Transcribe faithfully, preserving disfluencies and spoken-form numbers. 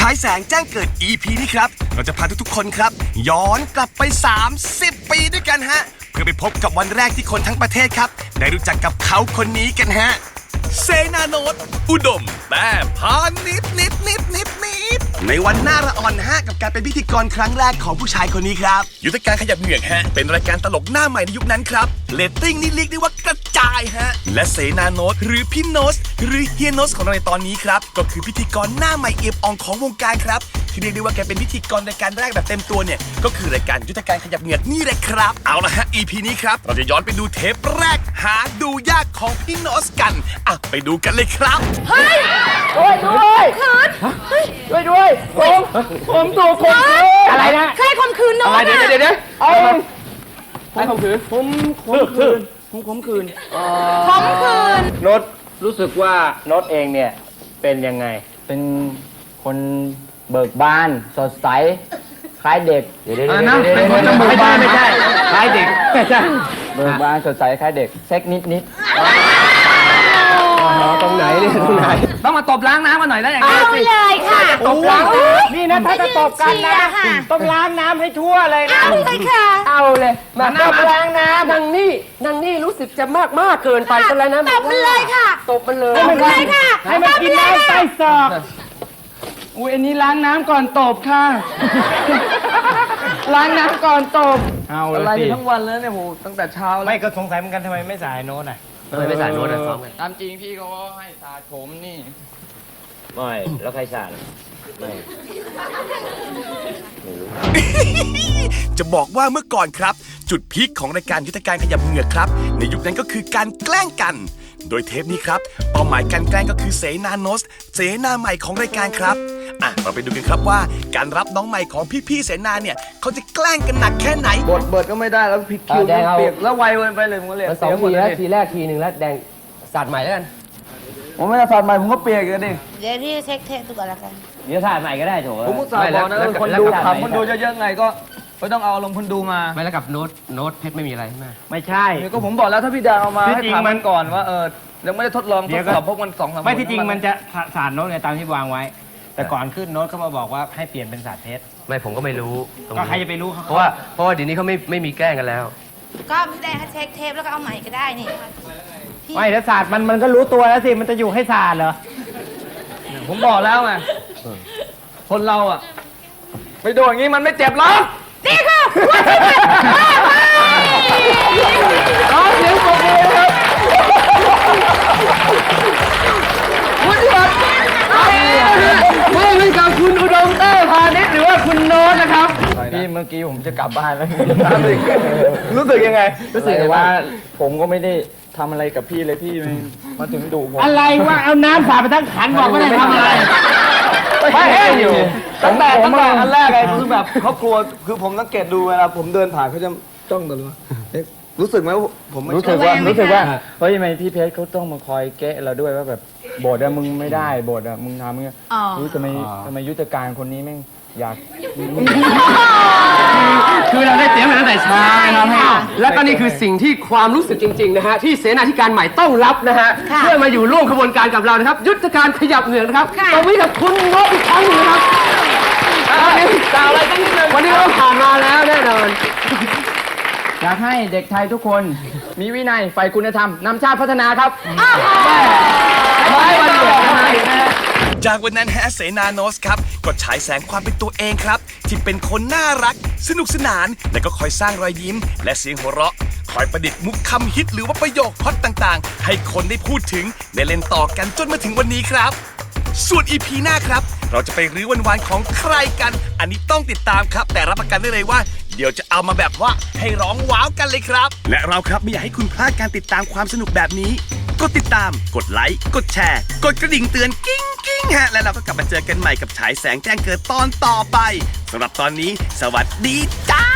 ายแสงแจ้งเกิด อี พี นี้ครับเราจะพาทุกๆคนครับย้อนกลับไปสามสิบปีด้วยกันฮะเพื่อไปพบกับวันแรกที่คนทั้งประเทศครับได้รู้จักกับเขาคนนี้กันฮะเสนาโนตอุดมแต่พานิดนิดนิดนิดนิดในวันหน้าระอ่อนฮะกับการเป็นพิธีกรครั้งแรกของผู้ชายคนนี้ครับยุทธการขยับเหงือกฮะเป็นรายการตลกหน้าใหม่ในยุคนั้นครับเรตติ้งนี่เรียกได้ว่ากระจายฮะและเสนาโนตหรือพี่โนตหรือเฮียโนตของเราในตอนนี้ครับก็คือพิธีกรหน้าใหม่เอียบอ่องของวงการครับที่เรียกได้ว่าแกเป็นพิธีกรรายการแรกแบบเต็มตัวเนี่ยก็คือรายการยุทธการขยับเหงือกนี่แหละครับเอาละฮะ อี พี นี้ครับเราจะย้อนไปดูเทปแรกหาดูยากของพี่โนตกันอ่ะไปดูกันเลยครับเฮ้ยด้วยด้วยด้วยด้วยผมผมถูกข่มขืนอะไรนะใครข่มขืนน้องอะไรเดี๋ยวเดี๋ยวเดี๋ยวเอาใครข่มขืนผมข่มขืนผมข่มขืนข่มขืนโน้ตรู้สึกว่าโน้ตเองเนี่ยเป็นยังไงเป็นคนเบิกบานสดใสคล้ายเด็กเดี๋ยวเดี๋ยวเดี๋ยวเป็นคนเบิกบานไม่ใช่คล้ายเด็กไม่ใช่เบิกบานสดใสคล้ายเด็กเซ็กนิดนิดตรงไหนนี่ตรงไหนต้องมาตบล้างน้ำมาหน่อยได้อย่างไรเอาเลยค่ะตบล้างนี่นะถ้าจะตบกันนะต้องล้างน้ำให้ทั่วเลยนะเอาเลยค่ะเอาเลยมาตบล้างน้ำนางนี่นางนี่รู้สึกจะมากมากเกินไปกันแล้วนะตบมันเลยค่ะตบมันเลยตบมันเลยค่ะให้มันกินน้ำใต้ศอกอุ้ยอันนี้ล้างน้ำก่อนตบค่ะล้างน้ำก่อนตบเอาอะไรทั้งวันแล้วเนี่ยโหตั้งแต่เช้าไม่ก็สงสัยเหมือนกันทำไมไม่สายโน้ตอ่ะทำไมไม่สายโน้ตอ่ะซ้อมกันตามจริงพี่เขาให้สาดผมนี่ไม่แล้วใครสาดไม่จะบอกว่าเมื่อก่อนครับจุดพีคของรายการยุทธการขยับเหงือกครับในยุคนั้นก็คือการแกล้งกันโดยเทปนี้ครับเป้าหมายการแกล้งก็คือเสนาโนตเสนาใหม่ของรายการครับอ่ะเราไปดูกันครับว่าการรับน้องใหม่ของพี่ๆเสนาเนี่ยเขาจะแกล้งกันหนักแค่ไหนบทเบิดก็ไม่ได้แล้วผิดคิวเปียกแล้วไวเกินไปเลยผมก็เลยสองทีแล้วทีแรกทีหนึ่งแล้วแดงสาดใหม่แล้วกันผมไม่ได้สาดใหม่ผมก็เปียกกันดิเดี๋ยวพี่เช็คเทปดูก่อนละกันเดี๋ยวสาดใหม่ก็ได้โถผมก็สาดบอกนะคนดูขำคนดูเยอะๆไงก็ไม่ต้องเอาลงคนดูมาไม่แล้วกับโน้ตโน้ตเพชรไม่มีอะไรใช่ไหมไม่ใช่ก็ผมบอกแล้วถ้าพี่ดาเอามาให้ถามมันก่อนว่าเออยังไม่ได้ทดลองทดสอบพวกมันสองสามไม่ที่จริงมันจะสาดโน้ตไงตามที่วางไว้แต่ก่อนขึ้นโน้ตเขามาบอกว่าให้เปลี่ยนเป็นสาดเพชรไม่ผมก็ไม่รู้ก็ใครจะไปรู้เขาเพราะว่าเพราะว่าเดี๋ยวนี้เขาไม่ไม่มีแกล้งกันแล้วก็พี่แดงเช็คเทปแล้วก็เอาใหม่ก็ได้นี่ไม่ถ้าสาดมันมันก็รู้ตัวแล้วสิมันจะอยู่ให้สาดเหรอผมบอกแล้วไงคนเราอ่ะไปโดนอย่างนี้มันไม่เจ็บหรอกนี่ค่ะร้องเสียงปรบมือครับคุณยศไม่เป็นกับคุณอุดมเต้พาณิชย์หรือว่าคุณโน้ตนะครับพี่เมื่อกี้ผมจะกลับบ้านแล้วรู้สึกยังไงรู้สึกว่าผมก็ไม่ได้ทำอะไรกับพี่เลยพี่มาถึงดุผมอะไรว่าเอาน้ำสาดไปทั้งขันบอกไม่ได้ทำอะไรไม่แห้งอยู่ตั้งแต่ตั้งแต่อันแรกเลยคือแบบเขากลัวคือผมสังเกตดูเวลาผมเดินผ่านเขาจะจ้องตลอดรู้สึกไหมผมรู้สึกว่ารู้สึกว่าเฮ้ยทำไมพี่เพชรเขาต้องมาคอยแกะเราด้วยว่าแบบโบดอะมึงไม่ได้โบดอะมึงทำมึงรู้ทำไมทำไมยุทธการคนนี้แม่งอยากคือเราได้เตรียมมาตั้งแต่เช้านะครับแล้วก็นี่คือสิ่งที่ความรู้สึกจริงๆนะฮะที่เสนาธิการใหม่ต้องรับนะฮะเพื่อมาอยู่ร่วมขบวนการกับเรานะครับยุทธการขยับเหงือกนะครับตรงนี้กับคุณโน้ตอีกครั้งนึงนะครับกล่าวอะไรกันนิดนึงวันนี้เราผ่านมาแล้วแน่นอนอยากให้เด็กไทยทุกคนมีวินัยใฝ่คุณธรรมนำชาติพัฒนาครับไม่วันเดียวจากวันนั้นฮะเสนาโนตครับก็ฉายแสงความเป็นตัวเองครับที่เป็นคนน่ารักสนุกสนานและก็คอยสร้างรอยยิ้มและเสียงหัวเราะคอยประดิษฐ์มุกคำฮิตหรือว่าประโยคฮอตต่างๆให้คนได้พูดถึงได้เล่นต่อกันจนมาถึงวันนี้ครับส่วน อี พี หน้าครับเราจะไปรื้อวันวานของใครกันอันนี้ต้องติดตามครับแต่รับประกันได้เลยว่าเดี๋ยวจะเอามาแบบว่าให้ร้องว้าวกันเลยครับและเราครับไม่อยากให้คุณพลาดการติดตามความสนุกแบบนี้กดติดตามกดไลค์กดแชร์กดกระดิ่งเตือนกิ้งกิ้งฮะและเราก็กลับมาเจอกันใหม่กับฉายแสงแจ้งเกิดตอนต่อไปสำหรับตอนนี้สวัสดีจ้า